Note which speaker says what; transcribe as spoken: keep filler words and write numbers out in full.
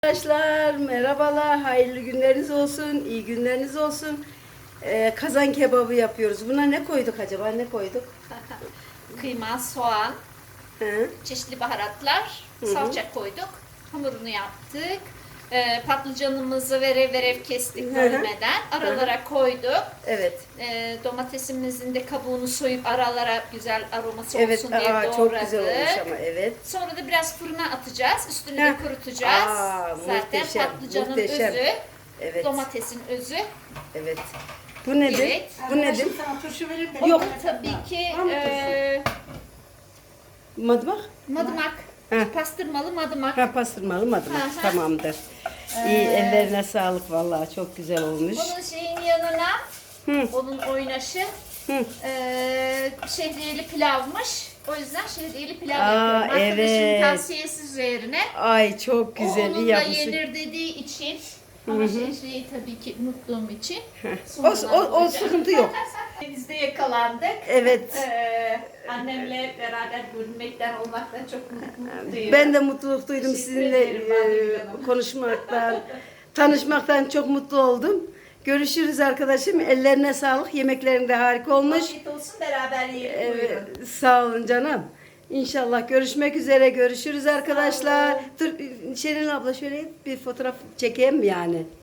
Speaker 1: Arkadaşlar merhabalar, hayırlı günleriniz olsun, iyi günleriniz olsun. Ee, kazan kebabı yapıyoruz. Buna ne koyduk acaba? Ne koyduk?
Speaker 2: Kıyma, soğan,
Speaker 1: Hı?
Speaker 2: çeşitli baharatlar,
Speaker 1: Hı hı.
Speaker 2: salça koyduk. Hamurunu yaptık. Ee, patlıcanımızı verev verev kestik
Speaker 1: Hı hı.
Speaker 2: bölmeden. Aralara koyduk.
Speaker 1: Evet.
Speaker 2: Ee, domatesimizin de kabuğunu soyup aralara güzel aroması
Speaker 1: Evet,
Speaker 2: olsun diye
Speaker 1: aa,
Speaker 2: doğradık.
Speaker 1: çok güzel olmuş ama evet.
Speaker 2: Sonra da biraz fırına atacağız. Üstünü de
Speaker 1: Heh.
Speaker 2: kurutacağız.
Speaker 1: Aa,
Speaker 2: Zaten
Speaker 1: muhteşem,
Speaker 2: patlıcanın
Speaker 1: muhteşem.
Speaker 2: özü,
Speaker 1: Evet.
Speaker 2: domatesin özü.
Speaker 1: Evet. Bu nedir?
Speaker 2: Evet.
Speaker 1: Bu nedir?
Speaker 3: Sana turşu verir mi?
Speaker 2: O
Speaker 1: Yok.
Speaker 2: da tabii ki
Speaker 3: Var mı
Speaker 2: e,
Speaker 1: Madımak?
Speaker 2: madımak.
Speaker 1: Heh.
Speaker 2: Pastırmalı madımak.
Speaker 1: Ha, pastırmalı madımak.
Speaker 2: Hı hı.
Speaker 1: Tamamdır. İyi, ellerine sağlık vallahi çok güzel olmuş.
Speaker 2: Bunun şeyin yanına,
Speaker 1: Hı.
Speaker 2: onun oynaşı
Speaker 1: Hı.
Speaker 2: eee şehriyeli pilavmış. O yüzden şehriyeli pilav
Speaker 1: Aa,
Speaker 2: yapıyorum. Arkadaşımın
Speaker 1: evet.
Speaker 2: tavsiyesi üzerine.
Speaker 1: Ay çok
Speaker 2: O
Speaker 1: güzel, iyi
Speaker 2: onunla
Speaker 1: yapmışsın.
Speaker 2: yenir dediği için. Ama şehriyeyi tabii ki unuttuğum için.
Speaker 1: O, o, o sıkıntı yok.
Speaker 2: Biz de yakalandık.
Speaker 1: Evet.
Speaker 2: Eee, annemle beraber görünmekten, olmaktan çok mutluyum.
Speaker 1: Ben de mutluluk duydum
Speaker 2: Teşekkür
Speaker 1: sizinle
Speaker 2: ederim Mavi
Speaker 1: e,
Speaker 2: Hanım.
Speaker 1: konuşmaktan, tanışmaktan çok mutlu oldum. Görüşürüz arkadaşım. Ellerine sağlık. Yemeklerin de harika olmuş.
Speaker 2: Afiyet olsun, beraber yiyelim.
Speaker 1: Evet,
Speaker 2: Buyurun.
Speaker 1: sağ olun canım. İnşallah görüşmek üzere. Görüşürüz arkadaşlar. Dur Şerin abla şöyle bir fotoğraf çekeyim mi yani?